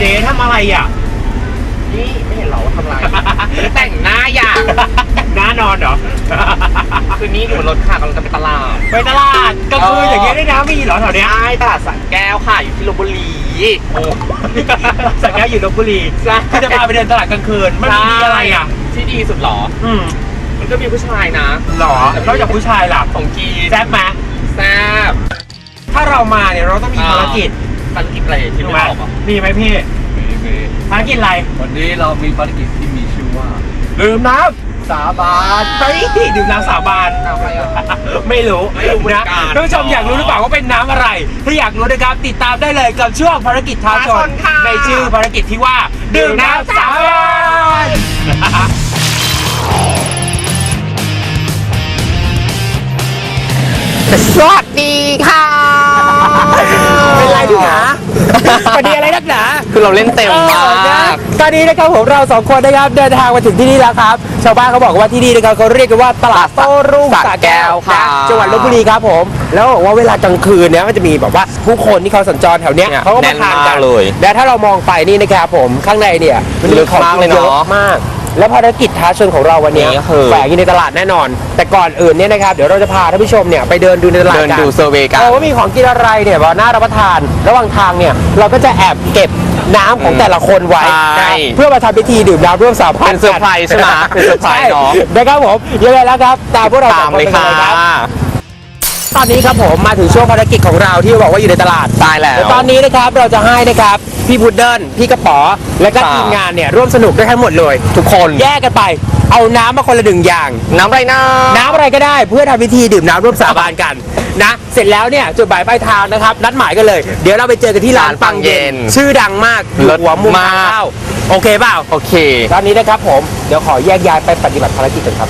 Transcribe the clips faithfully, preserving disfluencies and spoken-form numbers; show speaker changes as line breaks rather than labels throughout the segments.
เจ๊ทำอะไรอ่ะ
นี่ไม่เห็นหรอว่าทำอะไรแต่งหน้าอย่าง
หน้านอนเหรอ
คือนี่อยู่บนรถค่ะกำลังจะไปตลาด
ไปตลาดกลางคืนอย่างเงี้ยได้นะมีเหรอแถวเนี้ย
ใช่ตลาดสระแก้วค่ะอยู่ที่ลพบุรี
โอ้สระแก้วอยู่ลพบุรีก็จะพาไปเดินตลาดกลางคืนมันมีอะไรอ่ะ
ที่ดีสุดหรอ
อืม
มันก็มีผู้ชายนะ
หรอนอกจากผู้ชายล่ะ
ของกี
แซ่บไหม
แซ่บ
ถ้าเรามาเนี่ยเราต้องมีภารกิจ
ภารกิจอะไรที่ไม่บอกอ่ะ
มีไหมพี่
มีมี
ภารกิจอะไร
วันนี้เรามีภารกิจที่มีชื่อว่า
ดื่มน้ำสาบานไปดื่มน้ำสาบานไม่รู้นะท่านผู้ชมอยากรู้หรือเปล่าว่าเป็นน้ำอะไรถ้าอยากรู้นะครับติดตามได้เลยกับช่วงภารกิจท้าชนในชื่อภารกิจที่ว่าดื่มน้ำสาบาน
สวัสดีค่ะ
เป็นไรดิหนาพอดีอะไรนักหนา
คือเราเล่นเต็มมาก
ตอนนี้นะครับผมเราสองคนนะครับเดินทางมาถึงที่นี่แล้วครับชาวบ้านเขาบอกว่าที่นี่นะครับเขาเรียกกันว่าตลาดโต้รุ่งสระแก้วค่ะจังหวัดลพบุรีครับผมแล้วบอกว่าเวลากลางคืนเนี่ยมันจะมีแบบว่าผู้คนที่เขาสัญจรแถวเนี้ยเขาก็มาทานกันเลยและถ้าเรามองไปนี่นะครับผมข้างในเนี่ยมัน
ลึกมากเลยเนาะ
มากแล้วภารกิจท้าชนของเราวันนี้แฝงอยู่ในตลาดแน่นอนแต่ก่อนอื่นเนี่ยนะครับเดี๋ยวเราจะพาท่านผู้ชมเนี่ยไปเดินดูในตลาดกัน
เดินดูเซอร์เวย์กัน
ว่ามีของกินอะไรเนี่ยว่าน่ารับประทานระหว่างทางเนี่ยเราก็จะแอบเก็บน้ำของแต่ละคนไว้เพื่อมาทำพิธีดื่มน้ำร่วมสาบาน
เป็นเซอร์ไพรส์ใช่ไหมเป็นเซอร์ไพรส์เนาะ
นะครับผมยังไงแล้วครับตามพวกเราตามเลยครับตอนนี้ครับผมมาถึงช่วงภารกิจของเราที่บอกว่าอยู่ในตลาด
ตายแล้ว
ตอนนี้นะครับเราจะให้นะครับพี่พุดเดิ้ลพี่กระป๋อและก็ทีมงานเนี่ยร่วมสนุกด้วยทั้งหมดเลย
ทุกคน
แยกกันไปเอาน้ำมาคนละหนึ่งอย่าง
น้ำอะไรนะ
น้ำอะไรก็ได้เพื่อทำพิธีดื่มน้ำร่วมสาบานกันนะเสร็จแล้วเนี่ยจุดหมายปลายทางนะครับนัดหมายกันเลยเดี๋ยวเราไปเจอกันที่ร้านปังเย็นชื่อดังมากหัวมุมทางเข้าโอเคเปล่า
โอเค
ตอนนี้นะครับผมเดี๋ยวขอแยกย้ายไปปฏิบัติภารกิจกันครับ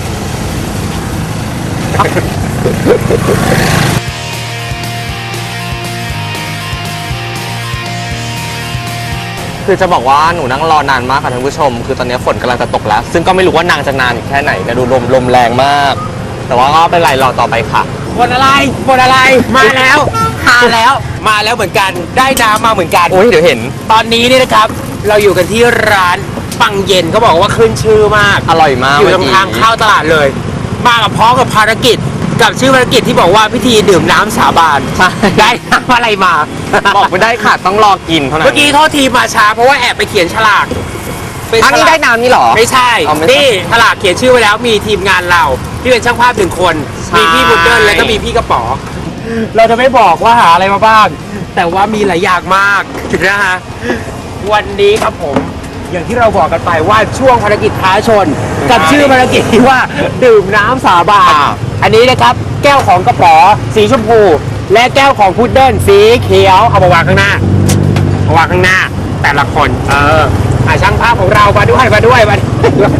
คือจะบอกว่าหนูนั่งรอนานมากค่ะท่านผู้ชมคือตอนนี้ฝนกำลังจะตกแล้วซึ่งก็ไม่รู้ว่านางจะนานอีกแค่ไหนนะดูลมลมแรงมากแต่ว่าก็เป็นไรรอต่อไปค่ะ
ฝนอะไรฝนอะไรมาแล้วมาแล้วมาแล้วเหมือนกันได้น้ำมาเหมือนกัน
โอ้ยเดี๋ยวเห็น
ตอนนี้นี่นะครับเราอยู่กันที่ร้านปังเย็นเขาบอกว่าขึ้นชื่อมาก
อร่อยมาก
อยู่ตรงทางเข้าตลาดเลยมากับพร้อมกับภารกิจกับชื่อภารกิจที่บอกว่าพิธีดื่มน้ำสาบานได้น้ำอะไรมา
บอกไม่ได้ค่ะต้องรอกินเท่านั้น
เมื่อกี้โทษทีมาช้าเพราะว่าแอบไปเขียนฉลาก
อันนี้ได้น้ำนี่หรอ
ไม่ใช่นี่ฉลากเขียนชื่อไว้แล้วมีทีมงานเราที่เป็นช่างภาพหนึ่งคนมีพี่บุญเดินแล้วก็มีพี่กระป๋อเราจะไม่บอกว่าหาอะไรมาบ้างแต่ว่ามีหลายอย่างมากนะฮะวันนี้ครับผมอย่างที่เราบอกกันไปว่าช่วงภารกิจท้าชนกับชื่อภารกิจที่ว่าดื่มน้ำสาบานอันนี้นะครับแก้วของกระป๋อสีชมพูและแก้วของพุดเดิ้ลสีเขียวเอามาวางข้างหน้ามาวางข้างหน้าแต่ละคนเอออ่าช่างภาพของเรามาด้วยมาด้วยมาด้วย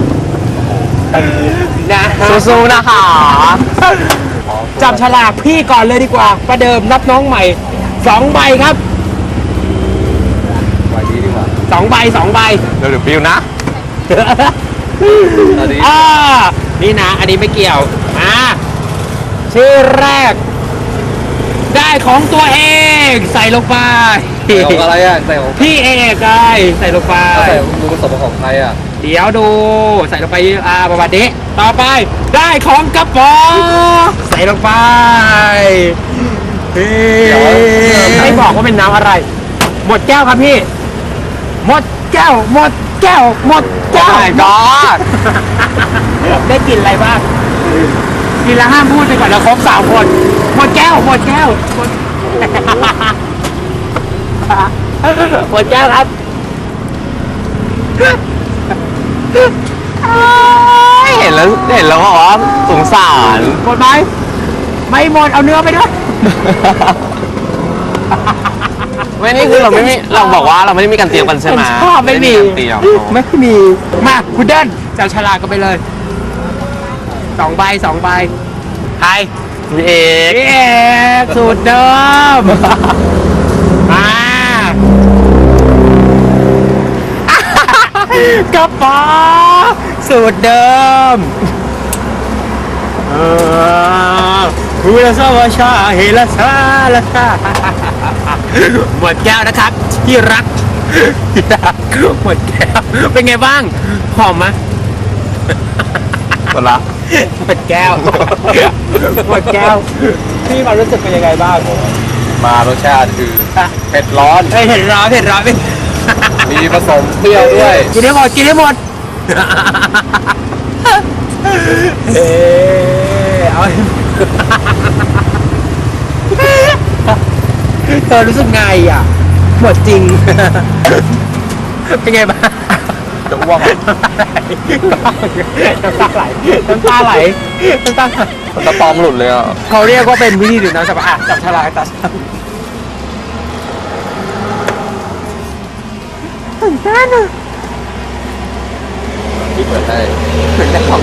นะ
สู้ๆนะคะ
จับฉลากพี่ก่อนเลยดีกว่าประเดิมนับน้องใหม่สองใบครับ
ใบนี้ดีกว่า
สองใบสองใบ
เดี๋ยวเดี๋ยวปิวนะ
อ่านี่นะอันนี้ไม่เกี่ยวอ่าชื่อแรกได้ของตัวเองใส่ลงไป
ของอะไรอ่ะใส่ของ
พี่เอกได้ใส่ลงไป
ใส่ดูผสมของใครอ่ะ
เดี๋ยวดูใส่ลงไปอ่าประมาณนี้ต่อไปได้ของกระป๋อใส่ลงไปไม่บอกว่าเป็นน้ำอะไรหมดแก้วครับพี่หมดแก้วหมดแก้วหมดแก้ว
ก็
ได้กินอะไรบ้างกินแล้วห้ามพูดไปก่อนนะครบสามคนหมดแก้วหมดแก้วหมดหมดแก้วครับ
เห็นแล้วเห็นแล้วบอกว่าสงสาร
หมดไหมไม่หมดเอาเนื้อไปด้วย
ไม่นี่คือเราไม่มีเราบอกว่าเราไม่ได้มีการเตรียมกันใช่ไหม
ไม่มีไม่มีมาคุณเดินจับฉลากกันไปเลยสองใบสองใบใคร
พี่เอก
พี่เอกสูตรเดิมมากระป๋อสูตรเดิมเออฮูลาซาวาชาเฮลาซาลาซาหมดแก้วนะครับที่รักหมดแก้วเป็นไงบ้างหอมไหม
หมดละ
หมดแก้วหมดแก้วพี่มารู้สึกเป็นยังไงบ้าง
มารสชาติคือเผ็ดร้อน
เฮ้ยเห็นร้อนเห็นร้อนไหม
มีผสมเปรี้ยวด้วย
กินได้หมดกินได้หมดเฮ้เอาเธอรู้สึกไงอ่ะหมดจริงเป็นไงบ้าง
จะอ้วกอ่ะ
น้ำตาไหลน้ำตาไหลน้ำตาไหล
มันจะตอมหลุดเลยอ่ะ
เขาเรียกว่าเป็นวิธีดื่มน้ำจับอ่ะจับฉลากจับตื่นเต้นอ่ะ
ที่เปิดให้
ตื่นเต้นของ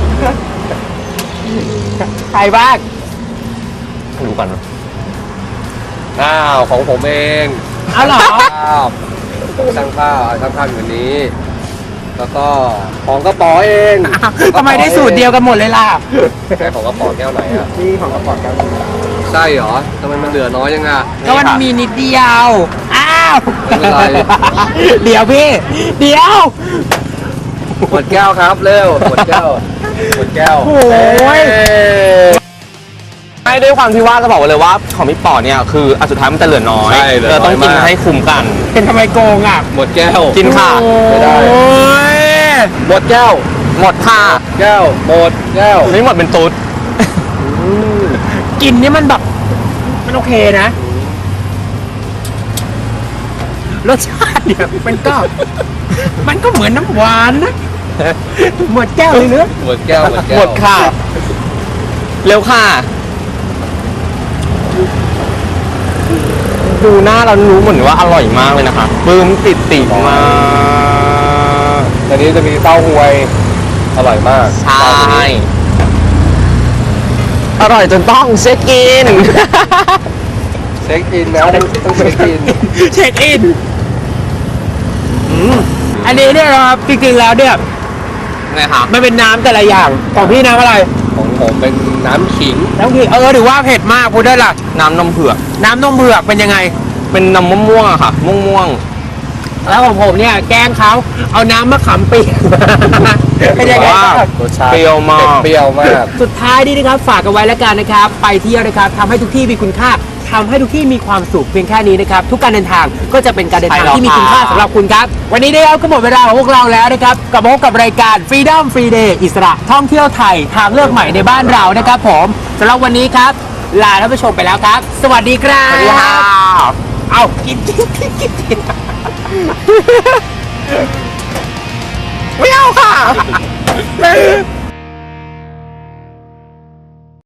ใครบ้าง
ดูกันนะ
อ้าวของผมเอง
เอาเหรอ
ข้าวช่างข้าวช่างข้าวอยู่วันนี้ แล้วก็ของกระป๋อเอง
ทำไมได้สูตรเดียวกันหมดเลยล่ะ
ใช่ของกระป๋อแก้วไหนอ่ะ
นี่ของกระป๋องแก้ว
ใช่เหรอทำไมมันเหลือน้อยยังอ่ะ
ก็มันมีนิดเดียว อ้าว
ไม่เป็นไร
เดี๋ยวพี่ เดี๋ยว
หมดแก้วครับเร็วหมดแก้วหมดแก้ว
โอ้ย
ไม่ด้วยความที่ว่าจะบอกไว้เลยว่าของพี่ป๋อเนี่ยคืออันสุดท้ายมันจะเหลือน้อย
ใช่เหลือ
เรา
น้
ต้
อ
อย งกิน
มาก
ให้คุ้มกัน
เป็นทำไมโกงอ่ะ
หมดแก้ว
กินค่ะ
ไม่ได้
โอ้ย
หมดแก้ว
หมดค่ะ
แก้วหมดแก้ว
ไม่หมดเป็นตุ๊ด
กลินนี่มันแบบ มันโอเคนะ รสชาติเนี่ยมันก็ มันก็เหมือนน้ำหวานนะ หมดแก้วเลยเนอะ
หมดแก้วหมดแก้ว
หมดค่ะ เร็วค่ะ ดูหน้าเรารู้เหมือนว่าอร่อยมากเลยนะคะปลื้มติดติดมาก
ตอนนี้จะมีเต้าหวยอร่อยมาก
ใช่ อร่อยจนต้องเช็คอิน
เช็คอินแล้วต้องเช็คอิน
เช็คอินอืมอันนี้เนี่ยนะครับจริงๆแล้วเนี่ย
ไงคะ
มันเป็นน้ำแต่ละอย่าง ของพี่น้ำอะไร
ของผมเป็นน้ำขิง
น้ำขิงเออหรือว่าเผ็ดมากพูดได้ล่ะ
น้ำนมเผือก
น้ำนมเผือกเป็นยังไง
เป็นน้ำมะม่วงอะค่ะ ม่วงม่วง
แล้วของผมเนี่ยแกล้งเขาเอาน้ำมะขามเปียกเป็นยังไง
ว่า
บ้าง
รสชาติ
เปรี้ยวมาก
เปรี้ยวมาก
สุดท้ายนี้นะครับฝากกันไว้แล้วกันนะครับ ไปเที่ยวนะครับทำให้ทุกที่มีคุณค่าทำให้ทุกที่มีความสุขเพียงแค่นี้นะครับ ทุกการเดินทางก็จะเป็นการเดินทางที่มีคุณค่าสำหรับคุณครับ วันนี้นะครับก็หมดเวลาของพวกเราแล้วนะครับกลับมาพบกับรายการ Freedom Free Day อิสระท่องเที่ยวไทยทางเลือกใหม่ในบ้านเรานะครับ ผมสำหรับวันนี้ครับลาท่านผู้ชมไปแล้วครับ สวัสดีครับ
สวัสดีค่ะ
เอากินกินกินกินกิน
ไม่เอาค่ะ